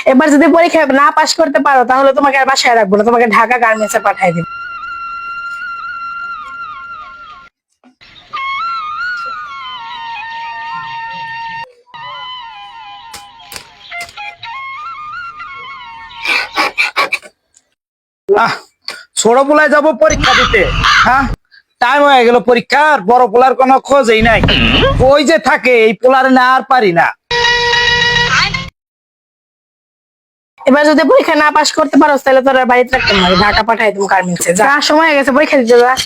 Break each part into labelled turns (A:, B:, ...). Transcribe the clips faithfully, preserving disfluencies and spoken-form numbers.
A: এবার যদি পরীক্ষা না পাশ করতে পারো তাহলে তোমাকে আর বাসায় রাখবো না, তোমাকে ঢাকা গার্মেন্টসে পাঠিয়ে দিব।
B: ছোট পোলায় যাবো পরীক্ষা দিতে, হ্যাঁ টাইম হয়ে গেল পরীক্ষার, বড় পোলার কোনো খোঁজই নাই। ওই যে থাকে এই পোলার না আর পারি না।
A: এবার যদি পরীক্ষা না পাশ করতে পারো তাহলে তোর আর বাড়িতে রাখতে হবে, ঢাকা পাঠাই তুমি গার্মেন্টসে। যা, সময় হয়ে গেছে পরীক্ষা দিতে যা।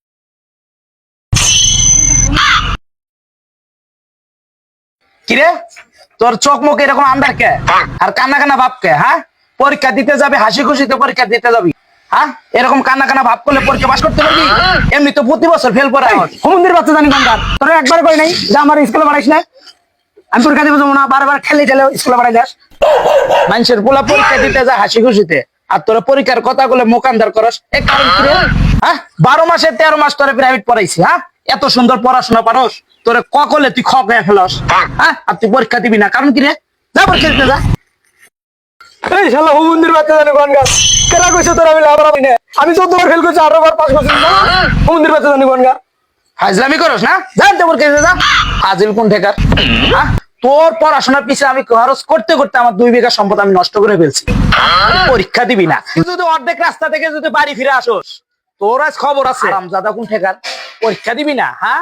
B: কিরে তোর চোখ মুখ এরকম আন্দার কে আর কান্না কান্না ভাব কে? হ্যাঁ পরীক্ষা দিতে যাবে হাসি খুশিতে পরীক্ষা দিতে যাবি, হ্যাঁ এরকম কান্না কান্না ভাব করলে পরীক্ষা পাস করতে পারবি? এমনি তো প্রতি বছর ফেল করে।
C: হুমুন্দির বাচ্চা জানি গঙ্গার তোরা একবার কই নাই যে আমার স্কুলে পড়াইস না, আমি পরীক্ষা দিব যাবো না, বারবার খেলে ঠেলে স্কুলে পড়াই যাস।
B: মানুষের পোলা পরীক্ষা দিতে যায় হাসি খুশিতে, আর তোরা পরীক্ষার কথা বলে মোকান্দার করস। এ কারণ কি রে? হ্যাঁ বারো মাসে তেরো মাস তোরে প্রাইভেট পড়াইছি, হ্যাঁ এত সুন্দর পড়াশোনা পারস, তোরে ককলে তুই খ খেয়ে ফেলস, হ্যাঁ আর তুই পরীক্ষা দিবি না কারণ কি রে? যা পরীক্ষা দিতে যা।
C: এই শালা হুমুন্দির বাচ্চা জানি গঙ্গার কেনা কইছো তোরা মিলে আবার আমি না, আমি যতবার ফেল করছি আরো বার পাস করছি না। হুমুন্দির বাচ্চা জানি গঙ্গার
B: হাজলামি করস না, যা তো পরীক্ষা দিতে যা। হাজিল কোন ঠেকার? হ্যাঁ তোর পড়াশোনার পিছনে আমি খরচ করতে করতে আমার দুই বিঘা সম্পদ আমি নষ্ট করে ফেলছি, পরীক্ষা দিবি না। তুই যদি অর্ধেক রাস্তা থেকে যদি বাড়ি ফিরে আসোস তোর আজ খবর আছে। জাদা কোন ঠেকার? পরীক্ষা দিবি না, হ্যাঁ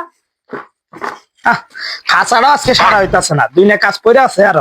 B: হাসাড়া আজকে সারা হইতাছে না, দুই না কাজ করে আছে আরো।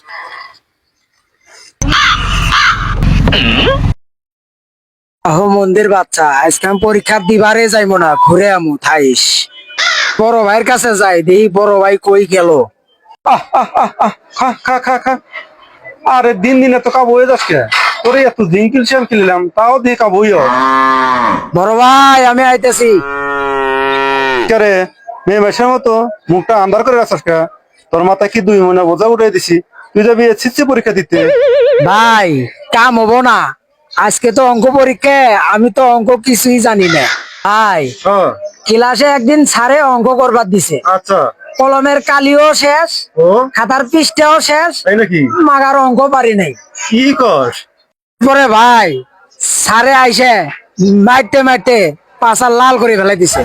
C: হুমুন্দির বাচ্চা আজকে আমি পরীক্ষা দিবারে যাইবো না, ঘুরে আমু থাইস। বড় ভাইয়ের কাছে যাই দেখি বড় ভাই কই গেল।
D: আহ আহ আহ আহ খা খা খা খা আরে দিন দিন এত কাবু হয়ে যাচ্ছে, তোরে এত দিন কিলছিলাম কিনলাম তাও দিয়ে কাবু হইও।
C: বড় ভাই আমি আইতেছি।
D: রে মেয়ে মেশের মতো মুখটা আন্ধার করে রাখাস কে? তোর মাথায় কি দুই মনে বোঝা উঠাই দিছি, তুই যাবি এসএসসি পরীক্ষা দিতে।
C: ভাই কাম হবো না, আজকে তো অঙ্ক পরীক্ষা, আমি তো অঙ্ক কিছুই জানি না। ভাই
D: হ্যাঁ
C: ক্লাসে একদিন স্যারে অঙ্ক করবার দিছে,
D: আচ্ছা
C: কলমের কালিও শেষ,
D: ও
C: খাতার পৃষ্ঠাও শেষ,
D: তাই নাকি?
C: মাগার অঙ্ক পারি নাই।
D: কি কস?
C: পরে ভাই স্যারে আইসে মারতে মারতে পাশা লাল করে ফেলাই দিছে।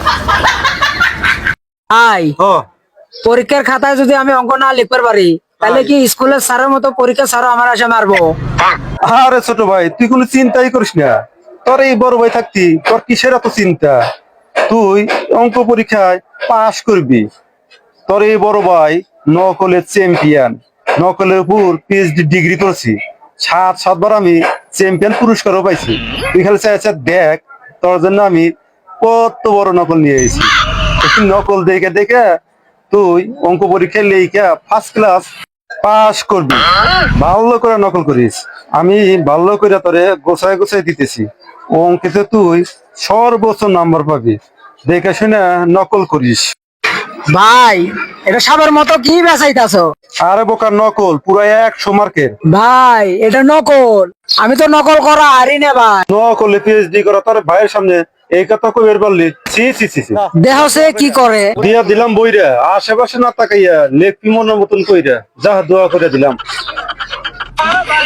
C: ভাই
D: ও
C: পরীক্ষার খাতায় যদি আমি অঙ্ক না লিখতে পারি তাহলে কি স্কুলের স্যারের মতো পরীক্ষা স্যারও আমার আসে মারবো?
D: আরে ছোট ভাই তুই কোনো চিন্তাই করিস না, তোর এই বড় ভাই থাকতি তোর কিসের এত চিন্তা? তুই অঙ্ক পরীক্ষায় পাশ করবি। তোর এই বড় ভাই নকলের চ্যাম্পিয়ন, নকলের উপর পিএইচডি ডিগ্রি করছি, সাত সাতবার আমি চ্যাম্পিয়ন পুরস্কারও পাইছি। তুই খালি চাই চাই দেখ তোর জন্য আমি কত বড় নকল নিয়ে এসেছি। নকল দেখে দেখে তুই অঙ্ক পরীক্ষায় লেখা ফার্স্ট ক্লাস পাস করবি। ভালো করে নকল করিস, আমি ভালো করে তোরে গোছায় গোছায় দিতেছি। অঙ্কেতে তুই সর্বোচ্চ নাম্বার পাবি, দেখে শুনে নকল করিস।
C: ভাই এটা সাবের মতো কি বেচাইতাছো?
D: আরে বোকার নকল পুরো একশো মার্কের।
C: ভাই এটা নকল, আমি তো নকল করা হারি না ভাই।
D: নকলে পিএইচডি করা তোর ভাইয়ের সামনে এই কথা কইবার পারলি? ছি ছি ছি ছি।
C: দেহ সে কি করে?
D: দিয়া দিলাম বইরা, আশেপাশে না তাকাইয়া লেখ মনের মতন কইরা যা দোয়া করে দিলাম।